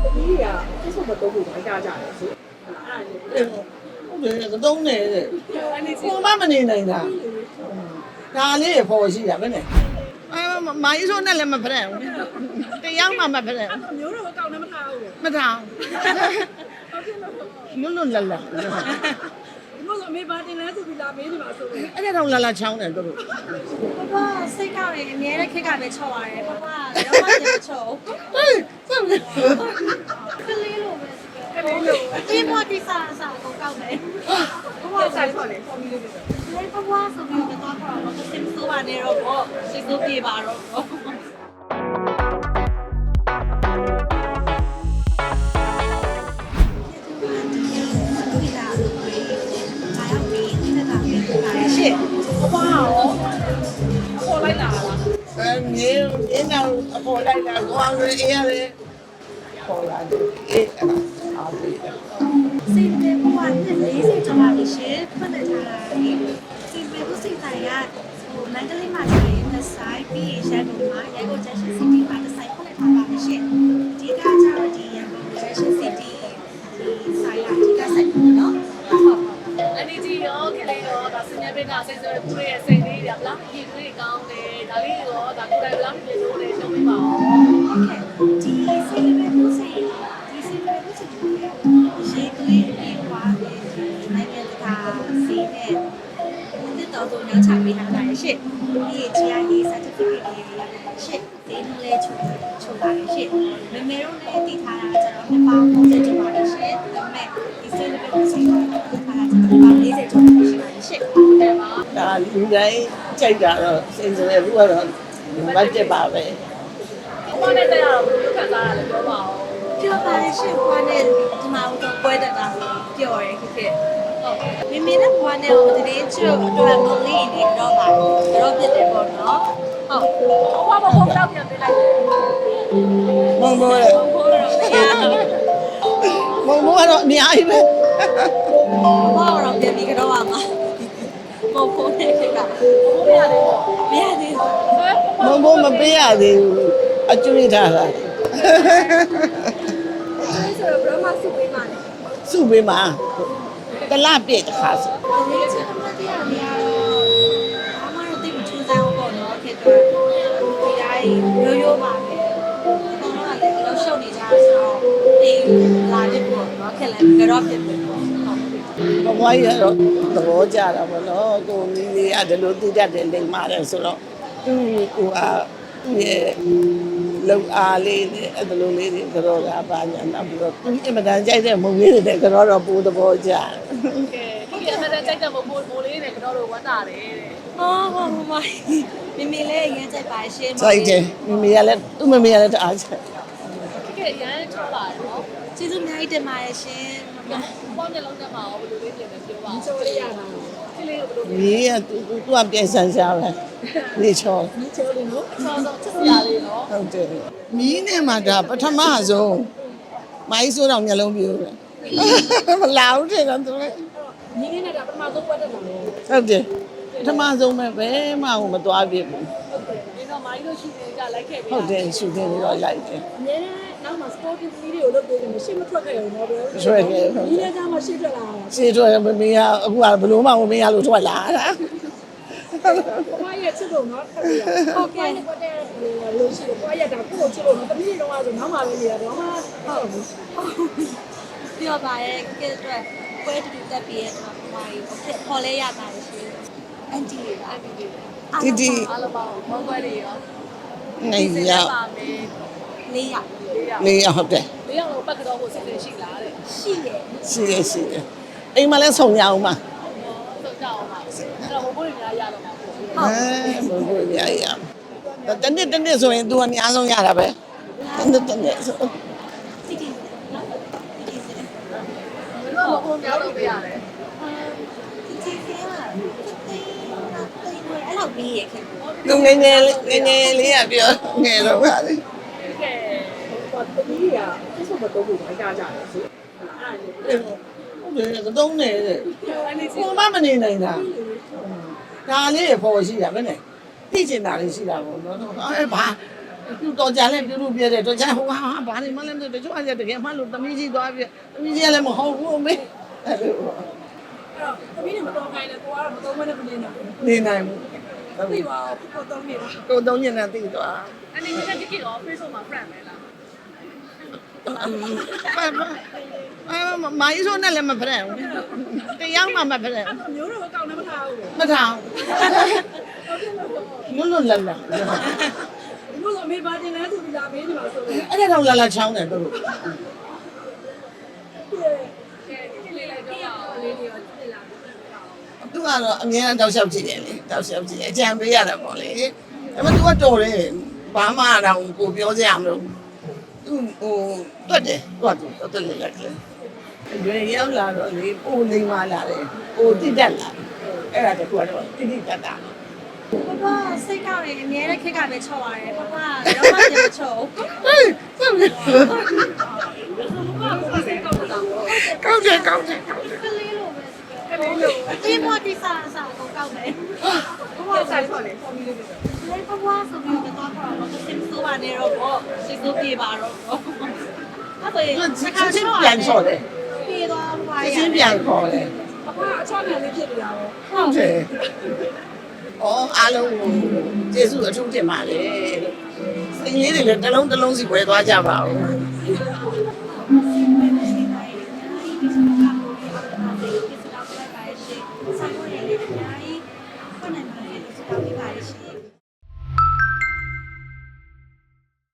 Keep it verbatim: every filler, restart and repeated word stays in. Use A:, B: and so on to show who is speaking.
A: သမီးတွေကအဲ့ဆိုမတော့ဘူးအကြကြတယ်ဆိုအဲ့ဒါလေ
B: ဟုတ်တယ်ကတော့နေတဲ့ကိုမမနေနိုင်တာဒါလေးရပေါ်ရှိတာပဲနဲ့အဲမိုင်းဆိုနဲ့လည်းမဖရက်ဘူးတရားမှမဖရက်
A: မျိုးတော့ကောင်းနေမထားဘူး
B: မထောင်လွတ်လွတ်လပ်လပ်
A: ဒီမို့ဆိုအမေပါတင်လဲဆိုပြီးလာမေးနေမှာဆိုလို့
B: အဲ့ဒါတော့လာလာချောင်းတယ်တို့
C: ပပစိတ်ကောက်နေအများနဲ့ခက်ကပဲချော့ရတယ်ပပရောမကျချော့
B: ဟေးစမ်းလေ
C: ကလေးလိုပဲကလေးလိုဒီမော်တီစာစာကိုကောက်တယ်ပပ
A: ဆိုင်ဆော်လေပုံပြီးလို့ပြော
C: လေပပဆိုပြီးတော့တော့တော့စိတ်ဆိုးပါနေတော့ပေါ့စိတ်ဆိုးပြေပါတော့ရှစ်
A: အပွားရောအပေါ်လိုက်လာလား
B: အဲမြေအင်းတော့အပေါ်လိုက်တာကိုအောင်ရေးရတယ်ပေါ်လာတယ်အေးအဲ့ဒါအားပေးတယ်
C: စိတ်တွေဘဝနဲ့လေးစိတ်ကြပါလိမ့်ရှင်ဖွင့်နေထားတာလေစိတ်တွေဘုစိတ်တိုင်းကဟိုလန်ကလေးမှာဆိုရင်တစ်ဆိုင်ပြီးရန်ကုန်မှာရန်ကုန် Junction City မှာတစ်ဆိုင်ဖွင့်နေထားပါလိမ့်ရှင်ဒီကကြတော့ဒီရန်ကုန် Junction City ဒီဆိုင်ကဒီကဆိုင်ပေါ့နော်ဟုတ်
A: အနေကြီးရောခလေးရောဒါစညာပိတ်တာစိတ်ဆိုးပူရဲ့စိတ်လေးတွေဗလားဒီတွေကောင်းတယ်ဒါလေးရောဒါကိုယ်တိုင်ဗလားပြေလို့လေရှုံးပေးပါဦး
C: ဒီစိတ်တွေဘုစိတ်ဒီစိတ်တွေဘုစိတ်ရေသွေးပြေးသွားတယ်ဒီနိုင်ငံတကာစီးနဲ့ဒီတော့တော့ညချပေးထားတာရှင့်ဒီ G I A certificate တွေရှင့်ဒီလိုလဲချုပ်ချုပ်လာရှင့်မမေတို့လည်းတည်ထားတာကျွန်တော်နှစ်ပေါင်း၃၀ကျော်ပါရှင့်ဒါပေမဲ့ဒီစိတ်တွေဘုစိတ်ကိုတည်ထားတာကျွန်တော်၄၀ကျော်ပါရှင့်ရှင့်တယ်ပါ
B: ဒါလူတိုင်းကြိုက်တာတော့စိတ်ဆိုရဘူးကတော့မတ်တက်ပါပဲ
A: အပေါ်နဲ့တက်ရတော့ဘယ်လိုခံစားရလဲပြောပါဦး
C: ပြောပါရှင့်ဘွားနဲ့ဒီမှာတော့ပွဲတက်တာပျော်ရဲခက်ဟုတ်မိမိနဲ့ဘွားနဲ့ဟိုတည်းချွတ်အတွက်မလေးနေတော့ပါတော့ဖြစ်တယ်ပေါ့နော်ဟုတ်
A: အပွားမဟုတ်တော့ပြန်ပေးလိုက်တယ်
B: မုံမိုး
C: ဘုန်းတော်မရဘူး
B: မုံမိုးကတော့အများကြီးပဲ
C: ဘောတော့ပြန်ပြီးကတော့ပါမှာမဟုတ်ဘူးခက်က
A: ဘိုးရတယ်ပေါ့
C: မရသေးဘူး
A: ဟဲ့
B: မုံမိုးမပေးရသေးဘူးအကျွေးထားတာ
A: ဒီဆိုတော့ဘရမစုပေးမှလည်း
B: စုပေးမှာတလပြည့်တစ်ခါဆို
C: ဒီချက်မတရားနေရတော့အမတို့တိတ်မထူးစားဘူးပေါ့နော်ခက်တော့ဒီတိုင်းရိုးရိုးပါပဲတော့လည်းတော့ရှုပ်နေကြဆိုတော့အေးလာတယ်ပေါ့နော်ခက်လည်းကတော့ဖြစ်ပြီပေါ့ဟုတ်
B: ဘဝကြီးကတော့သဘောကျတာပေါ့နော်ကိုမီးလေးကဒီလိုသိတတ်တယ်လိမ့်ပါတယ်ဆိုတော့သူ့ကိုကသူ့ရဲ့လုံအားလေးနဲ့အဲ့လိုလေးတွေကတော့ကပါညာနောက်ပြီးတော့သူအင်မတန်ကြိုက်တဲ့မုံလေးတွေကတော့တော့ပိုးသဘောကျတယ်
A: ကဲဒီအမတဲ့ကြိုက်တဲ့မိုးမိုးလေးနဲ့ကတော့တော့ဝတ်တာတယ်တဲ့
C: ဟောဟောမမမမေလည်းအရင်ကြိုက်ပါရှင်း
B: ကြိုက်တယ်မမေကလည်းသူ့မမေကလည်းတအားကြိုက်
A: ကဲရမ်းချောလာတယ်နော်
C: ကျေးဇူးအများကြီးတင်ပါတယ်ရှင်
A: ဘောင်းနဲ့လုံးနဲ့မှာရောဘယ်လိုလေးပြင်လဲပြောပါဦးချိုးလေးရတာဒီလေးကိုဘယ်လို
B: မြေကသူသူကပြန်ဆန်းရှားပဲနေချော
A: ဒီချိုးလေးနော်ချောင်းတော့ချစ်စရာလေးနော်
B: ဟုတ်တယ်မီးနဲ့မှဒါပထမဆုံးမိုင်းဆိုးတော့မျက်လုံးပြိုးတယ်မလာဘူးတဲ့တော့သူလည်း
A: ညီလေးနဲ့ကပထမဆုံးပွဲတက်တာလေ
B: ဟုတ်တယ်ပထမဆုံးပဲဘယ်မှမသွားပြဘူး
A: ဟုတ်တယ်ဒီတော့မိုင်းတို့ရှိနေတာလိုက်ခဲ့ပြီ
B: ဟုတ်တယ်ရှူတင်ပြီးတော့လိုက်တယ်
A: အများနဲ့နောက်မှာ sporting ကလေးတွေကိုလုပ်ပေးတယ်မရှိမထွက်ခဲ့ရုံတော့ပဲ
B: ဆွဲခဲ့ဟုတ်
A: ဒီ
B: တယ်
A: နေ့ကမှရှေ့ထွက်လာတာ
B: ရှင်းထွက်မမေကအခုကဘလို့မှမမေရလို့ထွက်လာတာ
A: ဘွားရဲ့ချစ်လို့နော်ထပ်ပြီးဟုတ်ကဲ့ဘွားတဲ့လို့ရှိတယ်ဘွားရဲ့ဒါကိုချစ်လို့နော်တမီးတော့ဆိုနောက်မှပဲနေတာတော့မှဟုတ်ဘူး
C: ပြောပါရဲ့ကဲအတွက်ပွဲတူတူတက်ပြီးရဲ့တော့ဘာကြီးခေါ်လဲရပါတယ်ရှင်အန်တီအန်တီ
B: တီတီ
A: အားလုံးပါဘောင်းပွဲတွေရော
B: နေရ
A: ပါမယ်
C: လေးရ
A: လေးယောက်
B: နေရဟုတ်တယ်
A: လေးယောက်တော့ပတ်ကတော့ကိုစိတ်ရှိလားတဲ့
C: ရှိရဲ့
B: ရှိရရှိရအိမ်မှာလည်းဆုံရအောင်ပါ
A: ဟုတ်ကြအောင်ပါအဲ့တော့ဘိုးဘိုးတွေများရတော့မှာပေါ့
B: အဲဘယ်လိုရရတနေ့တနေ့ဆိုရင် तू အများဆုံးရတာပဲတနေ့တနေ့ဆို
C: တီတီနော်တီတီစ
A: ဘယ်လိုဘိုးများလုပ်ပေးရလဲ
C: တီတီကအဲ့လောက်ပြီးရဲ့ခင်ဗျ
B: လူငယ်ငယ်လေးငယ်ငယ်လေးကပြောငယ်တော့ပါလေ
A: ကဲဟိုတမီးတွေကအဲ့ဆိုမတော့ဘူးအကြကြတယ်ဆိုအဲ့ဒါလေ
B: ဟုတ်တယ်ကတော့နေတဲ့
A: အနေကြီး
B: ကိုမမနေနိုင်တာဒါလေးရပေါ်ရှိတာပဲနဲ့သိကျင်တာလေးရှိတာပေါ့နော်အဲဘာသူတော်ကြလဲပြုလို့ပြတယ်တော်ကြဟိုဟာဘာနေမှလည်းမသိတချို့အရက်တကယ်မှလို့တမီးကြီးသွားပြတမီးကြီးကလည်းမဟုတ်ဘူးမေအဲ့လို
A: အဲ့တော့သမီးတွေမတော်ခိုင်းလဲကိုကတော့မတော်မနဲ့မနေနိုင်ဘူး
B: နေနိုင်ဘူး
A: သိပါကိုတော်နေတာ
B: ကိုသုံးညနေသိသွား
A: အနေနဲ့တကယ်တော့ Facebook မှာ friend ပဲလား
B: အဲမိုင်းဆိုနဲ့လည်းမဖရက်ဘူးတရားမှမဖရက်
A: အဲ့မျိုးတော့ကောင်းနေမထားဘူး
B: မထောင်လွတ်လွတ်လပ်လပ်
A: ဘူးလို့အမေပါတင်လဲသူလာပေးနေပါဆိုတော့
B: အဲ့ဒါတော့လာလာချောင်းတယ်သူတို့
A: ကဲဒီလေးလိုက်တော့လေးတွေရောသိလာတယ်
B: သူကတော့အမြဲတမ်းတောက်လျှောက်ကြည့်တယ်လေတောက်လျှောက်ကြည့်အကြံပေးရတာပေါ့လေဒါပေမဲ့ तू ကတော်တယ်ဘာမှတော့ကိုပြောစရာမလို သူဟိုတွတ်တယ်တွတ်တယ်တွတ်တယ်လက်ကလေးရွေရောက်လာတော့လေပိုနေမှလာတယ်ပိုတိတက်လာအဲ့ဒါတကူကတော့တိတိတက်တာ
C: ပပစိတ်ကောက်နေအများနဲ့ခက်ကပဲချော့ရတယ်ပပရောမပြန်မချော့
B: ဟေးဆက်ပြီကောင်းတယ်ကောင်းတယ်ကောင်းတယ်
C: ကလေးလိုပဲကလေးလိုဒီမော်တီစာစာကိုကောက်တယ်ပပဆိုင်ခေါ်လေခေါ်ပြီးလေးပဲလေပပဆိုပြီးတော့ခေါ်တော့စိတ်ဆိုးပါနေတော့ပေါ့စိတ်ဆိုးပြေပါတော့ပေါ့အဲ့ဒါ
B: စစ်စစ်ပြန်ချော်တယ်
C: ပြေသွားပါ
B: စစ်
C: ရ
B: စစ်ပြန်ခေါ်တယ်
A: အဖွားအချောင်းပြန်လေးဖြစ်နေတာပေါ့
B: ဟုတ်တယ်အော်အားလုံးကိုကျေးဇူးအထူးတင်ပါတယ်စိတ်လေးတွေလည်းတစ်လုံးတစ်လုံးစီဝယ်သွားကြပါဦး